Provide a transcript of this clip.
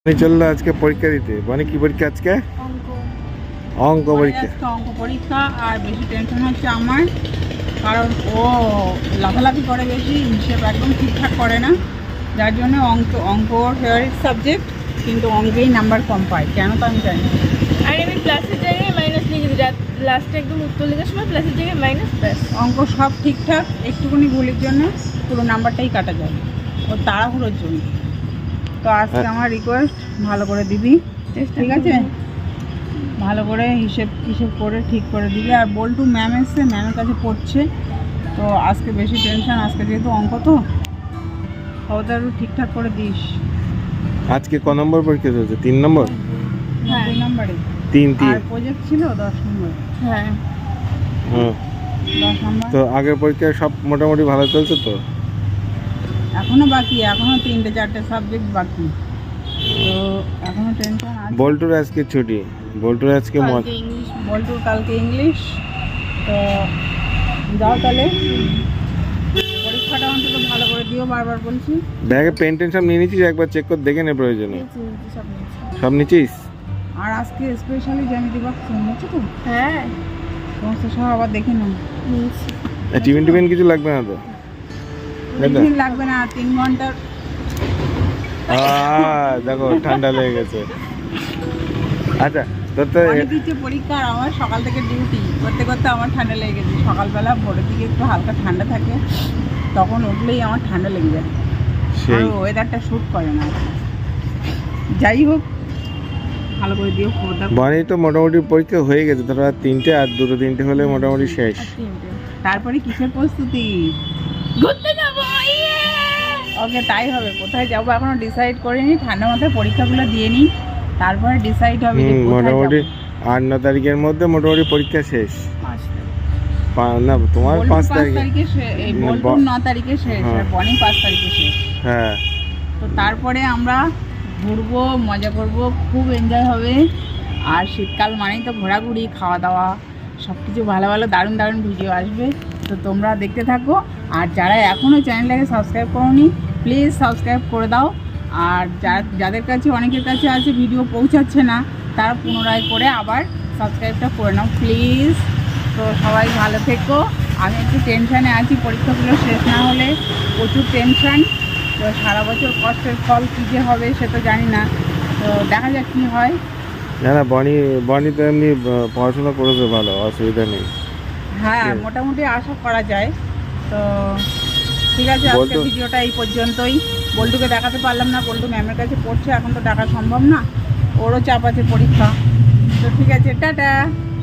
চললো আজকে পরীক্ষা দিতে। মানে কি পরীক্ষা আজকে? অঙ্ক পরীক্ষা। অঙ্ক পরীক্ষা। আর বেশি টেনশন হচ্ছে আমার, কারণ ও লাফালাফি করে বেশি, হিসেব একদম ঠিকঠাক করে না, যার জন্য অঙ্ক ফেভারিট সাবজেক্ট, কিন্তু অঙ্কেই নাম্বার কম পায়, কেন তো আমি জানি না। আর আমি প্লাসের জায়গায় মাইনাস লিখে দিই, লাস্টে একদম উত্তর লেখার সময় প্লাসের জায়গায় মাইনাস, ব্যাস। অঙ্ক সব ঠিকঠাক, একটুখানি ভুলের জন্য পুরো নাম্বারটাই কাটা যায়, ও তাড়াহুড়োর জন্য। তো আজকে আমার রিকোয়েস্ট, ভালো করে দিবি, ঠিক আছে? ভালো করে হিসেব করে ঠিক করে দিবি। আর বল্টু ম্যাম এসছে, ম্যামের কাছে পড়ছে, তো আজকে বেশি টেনশন, আজকে যেহেতু অঙ্ক, তো ওটা একটু ঠিকঠাক করে দিস। আজকে ক নম্বর পরীক্ষা চলছে? 3 নম্বর? হ্যাঁ। 2 নম্বরে। 3 আর প্রজেক্ট ছিল 10 নম্বর। হ্যাঁ, 10 নম্বর তো আগের পরীক্ষা সব মোটামুটি ভালো চলছে তো? এখনো বাকি, এখনো 3-4টে সাবজেক্ট বাকি, তো এখনো টেনশন আছে। বল্টুর আজকে ছুটি, বল্টুর আজকে কালকে ইংলিশ। বল্টুর কালকে ইংলিশ, তো যাও তাহলে, পরীক্ষাটা অন্তত ভালো করে দিও, বারবার বলছি। ব্যাগে পেন টেন সব নিয়ে নিয়েছিস? একবার চেক করে দেখে নে প্রয়োজনে। সব নিয়েছি। সব নিয়েছিস? আর আজকে স্পেশালি জ্যামিতি বক্স নিয়েছো তো? হ্যাঁ, সমস্ত সব আবার দেখে নাও। নিয়েছি। টিফিন কিছু লাগবে না তো? টিফিন লাগবে না, 3 ঘন্টার। দেখো ঠান্ডা লেগে গেছে। আচ্ছা, তোর তো অনেক কিছু পরীক্ষা, আর আমার সকাল থেকে ডিউটি করতে করতে আমার ঠান্ডা লেগে গেছে। সকালবেলা ভোরের দিকে একটু হালকা ঠান্ডা থাকে, তখন উঠলেই আমার ঠান্ডা লেগে যায়, আর সেই ওয়েদারটা শ্যুট করে না। যাই হোক, ভালো করে দিও খবরদার। বানি তো মোটামুটি পরীক্ষা হয়ে গেছে, ধরো আর 3টে, আর 2-3টে হলে মোটামুটি শেষ। আর 3টে। তারপরে কিসের প্রস্তুতি? ঘুরতে যাবো, ইয়ে! ওকে, তাই হবে। কোথায় যাবো এখনো ডিসাইড করিনি, ঠান্ডা মাথায় পরীক্ষাগুলো দিয়ে নিই, তারপরে ডিসাইড হবে যে কোথায় মোটামুটি যাবো। 8-9 তারিখের মধ্যে মোটামুটি পরীক্ষা শেষ। 5 তারিখ। না, তোমার বল্টুর 5 5 তারিখে। তারিখে এই বল্টুর 9 তারিখে শেষ, হ্যাঁ। আর বনি 5 তারিখে শেষ। হ্যাঁ, তো তারপরে আমরা ঘুরবো, মজা করব, খুব এনজয় হবে। আর শীতকাল মানেই তো ঘোরাঘুরি, খাওয়া দাওয়া, সব কিছু ভালো ভালো দারুণ দারুণ ভিডিও আসবে, তো তোমরা দেখতে থাকো। আর যারা এখনও চ্যানেলটাকে সাবস্ক্রাইব করোনি, প্লিজ সাবস্ক্রাইব করে দাও। আর যাদের কাছে, অনেকের কাছে আছে ভিডিও পৌঁছাচ্ছে না, তারা পুনরায় করে আবার সাবস্ক্রাইবটা করে নাও প্লিজ। তো সবাই ভালো থেকো। আমি একটু টেনশানে আছি, পরীক্ষাগুলো শেষ না হলে প্রচুর টেনশান। তো সারা বছর কষ্টের ফল কী যে হবে সে তো জানি না, তো দেখা যাক কী হয়। না বনি তো এমনি পড়াশোনা করেছে ভালো, অসুবিধা নেই। হ্যাঁ, মোটামুটি আশা করা যায়। তো ঠিক আছে, আজকে বল্টু- ভিডিওটা এই পর্যন্তই। বল্টুকে দেখাতে পারলাম না, বল্টু ম্যামের কাছে পড়ছে, এখন তো ডাকা সম্ভব না, ওরও চাপ আছে পরীক্ষা। তো ঠিক আছে, টাটা।